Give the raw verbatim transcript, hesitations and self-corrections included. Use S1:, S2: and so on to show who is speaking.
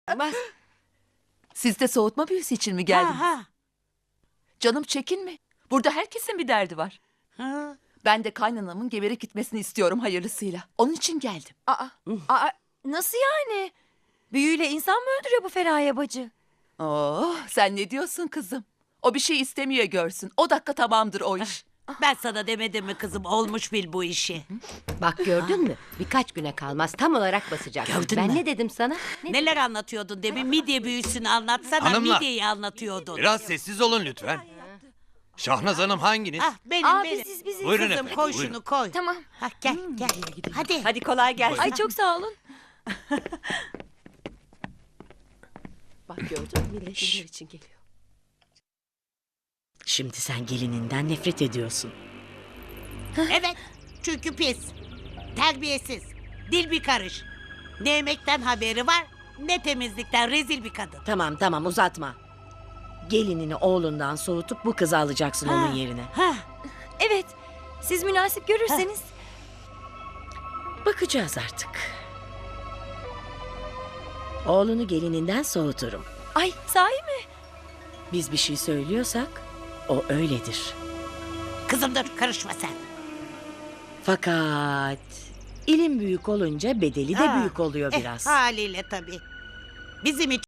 S1: Olmaz.
S2: Siz de soğutma büyüsü için mi geldiniz?
S3: Ha, ha.
S2: Canım çekinme. Burada herkesin bir derdi var.
S3: Ha.
S2: Ben de kaynanamın geberek gitmesini istiyorum hayırlısıyla. Onun için geldim.
S1: Aa, aa, nasıl yani? Büyüyle insan mı öldürüyor bu Feraye bacı?
S2: Oh, sen ne diyorsun kızım? O bir şey istemiyor görsün. O dakika tamamdır o iş.
S3: Ben sana demedim mi kızım, olmuş bil bu işi.
S4: Bak gördün mü? Birkaç güne kalmaz tam olarak basacak.
S3: Gördün
S4: ben
S3: mü?
S4: ne dedim sana? Ne?
S3: Neler anlatıyordun demin, midye büyüsünü anlatsana.
S5: Hanımlar.
S3: Midyeyi anlatıyordun.
S5: Biraz sessiz olun lütfen. Şahnaz Hanım hanginiz?
S3: Ah benim
S1: Aa,
S3: benim.
S1: biziz biziz.
S5: Buyurun
S3: Kızım
S5: efendim,
S3: koy
S5: buyurun.
S3: şunu koy.
S1: Tamam.
S3: Ha, gel gel. Hadi.
S2: Hadi kolay gelsin.
S1: Ay çok sağ olun.
S4: Bak gördün mü? Millet neler için geliyor.
S6: Şimdi sen gelininden nefret ediyorsun.
S3: Evet. Çünkü pis. Terbiyesiz. Dil bir karış. Ne yemekten haberi var, ne temizlikten, rezil bir kadın.
S6: Tamam tamam uzatma. Gelinini oğlundan soğutup bu kızı alacaksın
S3: Ha.
S6: onun yerine.
S3: Ha.
S1: Evet. Siz münasip görürseniz.
S6: Bakacağız artık. Oğlunu gelininden soğuturum.
S1: Ay sahi mi?
S6: Biz bir şey söylüyorsak o öyledir.
S3: Kızım dur, karışma sen.
S6: Fakat ilim büyük olunca bedeli de
S3: Ha.
S6: büyük oluyor
S3: Eh,
S6: biraz.
S3: haliyle tabii. Bizim için